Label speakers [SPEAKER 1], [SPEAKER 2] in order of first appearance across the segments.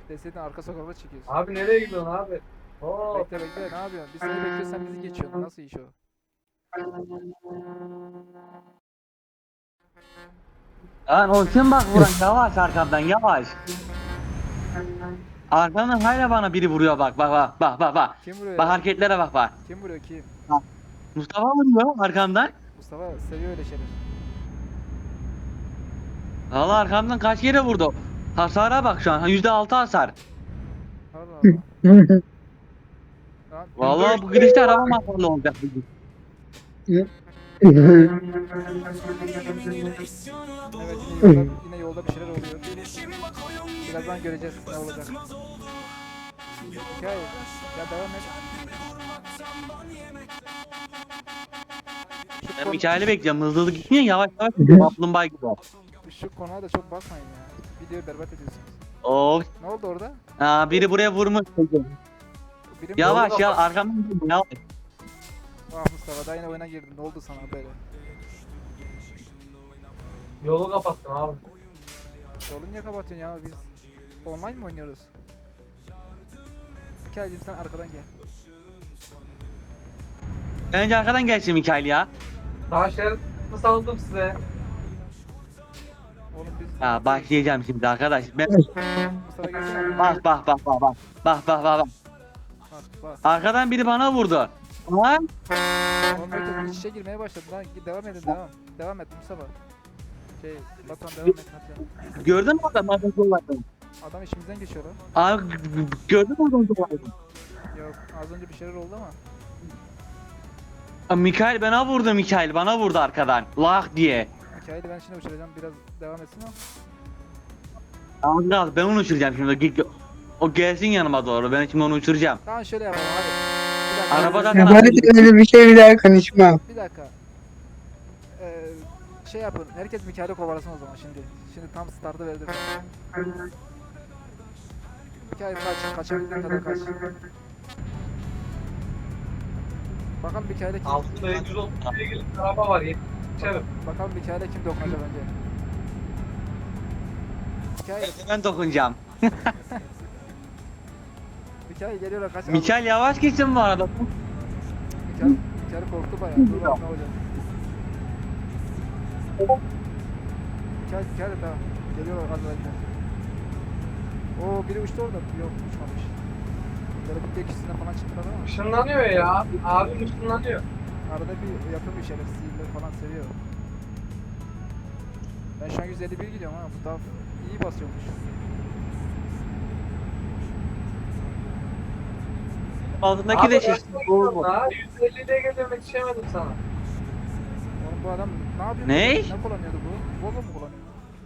[SPEAKER 1] Deseydin arka sokakta çekiyorsun.
[SPEAKER 2] Abi nereye gidiyorsun abi? Oo.
[SPEAKER 1] Bekle bekle ne yapıyorsun? Biz seni bekliyoruz sen bizi geçiyorsun. Nasıl iş o?
[SPEAKER 3] Lan o kim bak vuran yavaş arkamdan yavaş. Arkamdan hala bana biri vuruyor bak.
[SPEAKER 1] Kim vuruyor
[SPEAKER 3] Bak
[SPEAKER 1] ya?
[SPEAKER 3] hareketlere bak.
[SPEAKER 1] Kim vuruyor kim?
[SPEAKER 3] Bak. Mustafa vuruyor arkamdan.
[SPEAKER 1] Mustafa seviyor öyle şeyler.
[SPEAKER 3] Valla arkamdan kaç kere vurdu. Hasara bak şu an %6 hasar.
[SPEAKER 1] Allah Allah. Lan,
[SPEAKER 3] Valla bu gidişte araba hasarlı olacak.
[SPEAKER 1] evet yine yolda bir şeyler oluyor. Birazdan göreceğiz ne olacak. Hikaye. Ya devam et.
[SPEAKER 3] Ben Mikail'i bekliyorum. Hızlı gitmiyor yavaş gidiyor. Kaplumbağa gibi.
[SPEAKER 1] Şu konuğa da çok bakmayın ya. Videoyu berbat ediyorsunuz.
[SPEAKER 3] Oh.
[SPEAKER 1] Ne oldu orada?
[SPEAKER 3] Biri buraya vurmuş.
[SPEAKER 1] Biri mi?
[SPEAKER 3] Yavaş ya arkamdan gidiyor yavaş.
[SPEAKER 1] Ah Mustafa daha yine oyuna girdin. Ne oldu sana böyle?
[SPEAKER 2] Yolu kapattım abi.
[SPEAKER 1] Yolu niye kapatıyorsun ya? Biz online mi oynuyoruz? Hikayeciğim sen arkadan gel.
[SPEAKER 3] Önce arkadan gelsin Mikail ya.
[SPEAKER 2] Daha şerit saldım size.
[SPEAKER 1] Oğlum biz...
[SPEAKER 3] Ya başlayacağım şimdi arkadaş. Ben...
[SPEAKER 1] Mustafa gelsene.
[SPEAKER 3] Bak. Bak.
[SPEAKER 1] Bak.
[SPEAKER 3] Arkadan biri bana vurdu. Lan.
[SPEAKER 1] Oğlum herkes iç içe girmeye başladı lan. Devam edin devam. Devam et Mustafa. Batuhan devam et hadi.
[SPEAKER 3] Gördün mü adam vardı.
[SPEAKER 1] Adam işimizden geçiyor lan.
[SPEAKER 3] Abi gördün mü adam vardı.
[SPEAKER 1] Yok az önce bir şeyler oldu ama.
[SPEAKER 3] Mikail bana vurdu arkadan. Lah diye.
[SPEAKER 1] Hikayeyi ben şimdi uçuracağım biraz devam etsin o.
[SPEAKER 3] Abi ben onu uçuracağım şimdi. O gelsin yanıma doğru. Ben şimdi onu uçuracağım.
[SPEAKER 1] Tamam şöyle yapalım hadi. Bir dakika.
[SPEAKER 3] Arabadan
[SPEAKER 4] Ya böyle öyle bir şey bir daha konuşmam.
[SPEAKER 1] Bir dakika. Şey yapın. Herkes Mikail'i kovalasın o zaman şimdi. Şimdi tam startı verdim. Mikail kaç. Kaçabildiğin kadar kaç. Bakalım Mikail'e kim...
[SPEAKER 2] Altında 130'ya gelip araba var. Yetişerim.
[SPEAKER 1] Bakalım Mikail'e kim dokunacak önce. Mikail.
[SPEAKER 3] Ben dokunacağım.
[SPEAKER 1] Mikail geliyor kaç.
[SPEAKER 3] Mikail yavaş geçsin bu arada.
[SPEAKER 1] Mikail korktu bayağı. Dur bakalım ne olacak. Mikail tamam. Geliyorlar az önce. Oo biri uçtu orada. Yok uçmamış. Böyle bir tekisinden falan çıktılar ama.
[SPEAKER 2] Işınlanıyor ya. Abim ışınlanıyor.
[SPEAKER 1] Arada bir yapıyor bir şeyler. Sihirleri falan seviyor. Ben şu an 151 gidiyorum ha. Bu taraf iyi basıyormuş.
[SPEAKER 3] Altındaki de şişti.
[SPEAKER 2] Daha 150'de geliyorum yetişemedim sana.
[SPEAKER 1] Oğlum bu adam ne yapıyor?
[SPEAKER 3] Ne?
[SPEAKER 1] Ne kullanıyordu bu? Volvo mu kullanıyor?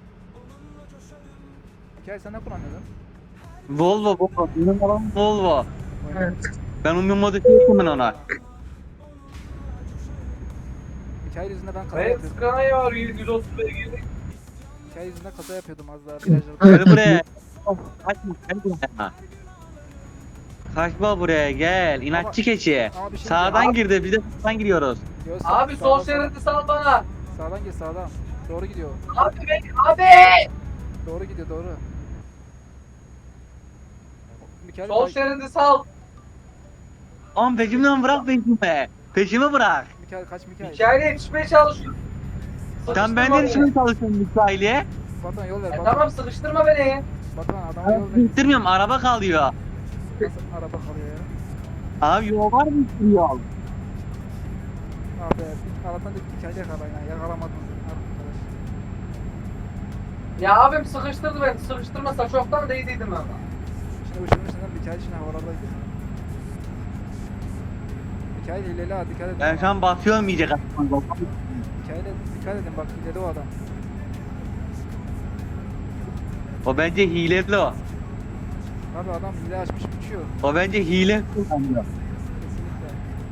[SPEAKER 1] Hikaye sen ne kullanıyordun?
[SPEAKER 3] Volvo. Benim arabam Volvo.
[SPEAKER 1] Evet.
[SPEAKER 3] Ben onu modifiye ettim ben ona.
[SPEAKER 1] Hikaye yüzünden ben kaza
[SPEAKER 2] Evet
[SPEAKER 1] yapıyordum.
[SPEAKER 2] Scania var 130'a girdik.
[SPEAKER 1] Hikaye yüzünden kaza yapıyordum az daha virajlarda.
[SPEAKER 3] Gel buraya. Gel buraya. Kaçma buraya gel. İnatçı keçi.
[SPEAKER 1] Ama bir şey
[SPEAKER 3] Sağdan
[SPEAKER 1] diyeceğim.
[SPEAKER 3] girdi. Biz de sağdan giriyoruz.
[SPEAKER 1] Yo,
[SPEAKER 2] Abi sol
[SPEAKER 1] sağdan-
[SPEAKER 2] şeridi sal bana.
[SPEAKER 1] Sağdan gir sağdan. Doğru gidiyor.
[SPEAKER 2] Abi abi.
[SPEAKER 1] Doğru gidiyor doğru. Mikael
[SPEAKER 2] Sol şeridi sal.
[SPEAKER 3] Oğlum peşimden bırak peşime. Peşimi bırak.
[SPEAKER 1] Mikael kaç Mikael.
[SPEAKER 2] Hikayeye yetişmeye çalışıyorum.
[SPEAKER 3] Sen benden için mi çalışıyorsun Mikail'e?
[SPEAKER 1] Batuhan yol ver.
[SPEAKER 2] E
[SPEAKER 1] Batuhan.
[SPEAKER 2] tamam sıkıştırma beni.
[SPEAKER 1] Batuhan adama yol ver.
[SPEAKER 3] Bitirmiyorum araba kalıyor.
[SPEAKER 1] Nasıl araba kalıyor ya?
[SPEAKER 3] Abi yol var mı yol?
[SPEAKER 1] Abi Allah'tan da Mikael'i yakala ya. Yakalamadın arkadaş.
[SPEAKER 2] Ya abim sıkıştırdı beni. Sıkıştırmasa çoktan değdiydim ama.
[SPEAKER 1] Şimdi uçurmuşsun Mikael şimdi havalardaydı. Mikael hileli ha dikkat edin.
[SPEAKER 3] Ben şu an basıyorum iyice kaçmam.
[SPEAKER 1] Mikael'e dikkat edin bak hileli o adam.
[SPEAKER 3] O bence hileli o.
[SPEAKER 1] Abi adam hile açmış uçuyor.
[SPEAKER 3] O bence hile kullanıyor.
[SPEAKER 1] Kesinlikle.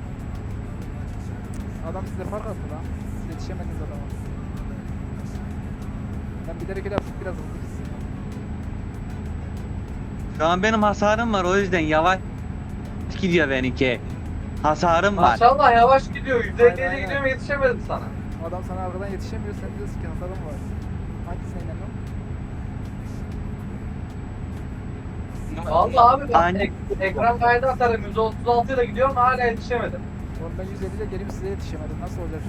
[SPEAKER 1] Adam size fark attı lan. Siz yetişemediniz adama. Ben bilerek öyle yaptım biraz hızlı gitsin.
[SPEAKER 3] Şu an benim hasarım var o yüzden yavaş gidiyor benimki. Hasarım var.
[SPEAKER 2] Maşallah yavaş gidiyor.
[SPEAKER 1] Aynen,
[SPEAKER 2] 150'ye
[SPEAKER 1] aynen.
[SPEAKER 2] gidiyorum yetişemedim sana.
[SPEAKER 1] Adam sana arkadan yetişemiyor sen diyorsun ki hasarım var. Hangisine inanıyorsun?
[SPEAKER 2] Vallahi abi bak
[SPEAKER 3] Aynen.
[SPEAKER 2] ekran kaydı atarım 136 ile gidiyorum hala yetişemedim.
[SPEAKER 1] Oğlum ben 150 ile gelip size yetişemedim. Nasıl olacak?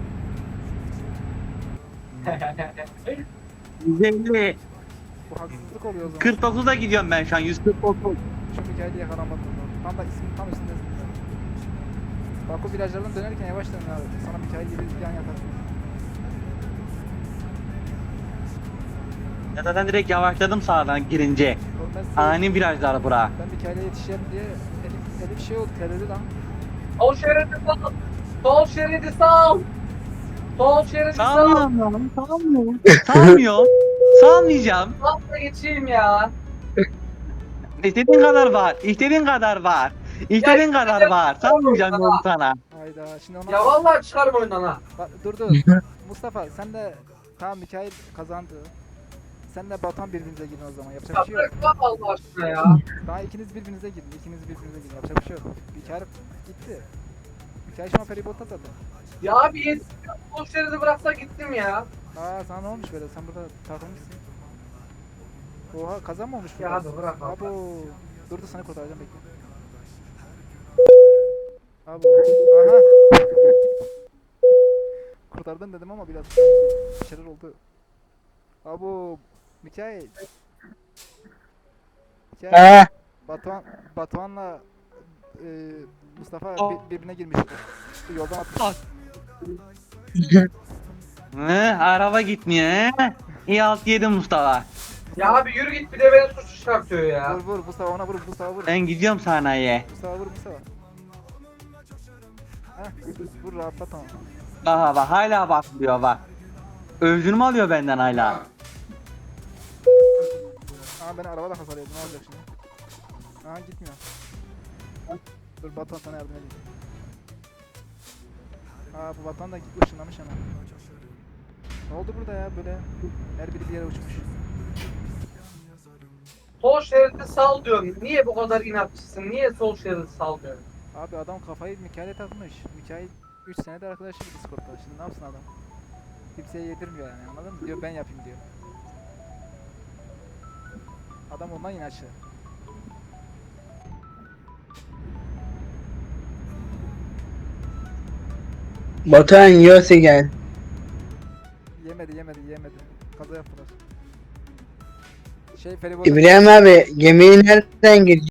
[SPEAKER 3] 150.
[SPEAKER 1] Bu haksızlık oluyor o zaman.
[SPEAKER 3] 49'da gidiyorum ben şu an 149.
[SPEAKER 1] Şu Mikail'i yakalamadım. Tam da ismin tam üstündesin. Bak o virajlardan dönerken yavaş dön abi. Sana Mikail gibi yan yatarsın.
[SPEAKER 3] Ya zaten direkt yavaşladım sağdan girince.
[SPEAKER 1] Oğlum ben size,
[SPEAKER 3] Ani virajlar bura.
[SPEAKER 1] ben Mikail'e yetişeceğim diye elim şey oldu, terledi lan.
[SPEAKER 2] Sol şeridi sal. Sol şeridi sal. Sol şeridi sal.
[SPEAKER 3] Salmıyorum, salmıyorum. Salmıyorum. Salmayacağım.
[SPEAKER 2] Sal da geçeyim ya.
[SPEAKER 3] İstediğin kadar var. İstediğin kadar var. İstediğin kadar var. Salmayacağım yolu sana.
[SPEAKER 1] Hayda şimdi ona...
[SPEAKER 2] Ya vallahi çıkarım oyundan ha.
[SPEAKER 1] Bak, dur. Mustafa sen de tamam Mikail kazandı. Sen de Batuhan birbirinize girin o zaman. Yapacak
[SPEAKER 2] Ya
[SPEAKER 1] bir şey yok.
[SPEAKER 2] bırak lan Allah aşkına ya.
[SPEAKER 1] Daha ikiniz birbirinize girin. Yapacak bir şey yok. Mikail gitti. Mikail şu an feribota zaten.
[SPEAKER 2] Ya abi yetiştim. Sol şeridi bıraksa gittim ya.
[SPEAKER 1] Aa sana ne olmuş böyle? Sen burada takılmışsın. Oha kazan mı olmuş burada?
[SPEAKER 2] Ya hadi bırak abi.
[SPEAKER 1] Abo. Dur da seni kurtaracağım bekle. Abo. Aha. Kurtardın dedim ama biraz sanki bir şeyler oldu. Abo. Mikail. Mikail.
[SPEAKER 4] Ha.
[SPEAKER 1] Batuhan'la Mustafa
[SPEAKER 3] Aa.
[SPEAKER 1] birbirine girmiş. Yoldan atmış.
[SPEAKER 3] Araba gitmiyor he? İyi alt yedim Mustafa.
[SPEAKER 2] Ya abi yürü git bir de beni suç çıkartıyor ya.
[SPEAKER 1] Vur Mustafa ona vur Mustafa vur.
[SPEAKER 3] Ben gidiyorum sanayiye.
[SPEAKER 1] Mustafa vur Mustafa. Heh, vur rahatlat ama.
[SPEAKER 3] Bak bak hala bakmıyor bak. Özünü mü alıyor benden hala?
[SPEAKER 1] Ama beni arabada hasar yedi ne olacak şimdi? Aha gitmiyor. Dur Batuhan sana yardım edeyim. Aa bu Batuhan da ışınlamış hemen. Ne oldu burada ya böyle? Her biri bir yere uçmuş.
[SPEAKER 2] Sol şeridi sal diyorum. Niye bu kadar inatçısın? Niye sol şeridi sal diyorsun?
[SPEAKER 1] Abi adam kafayı Mikail'e takmış. Mikail 3 senedir arkadaşı bir Discord'da. Şimdi ne yapsın adam? Kimseye yedirmiyor yani anladın mı? Diyor ben yapayım diyor. Adam ondan inatçı.
[SPEAKER 4] Batuhan yiyorsa gel.
[SPEAKER 1] Yemedi. Kaza yaptılar. Feribota
[SPEAKER 4] İbrahim abi gemiyi nereden girecek?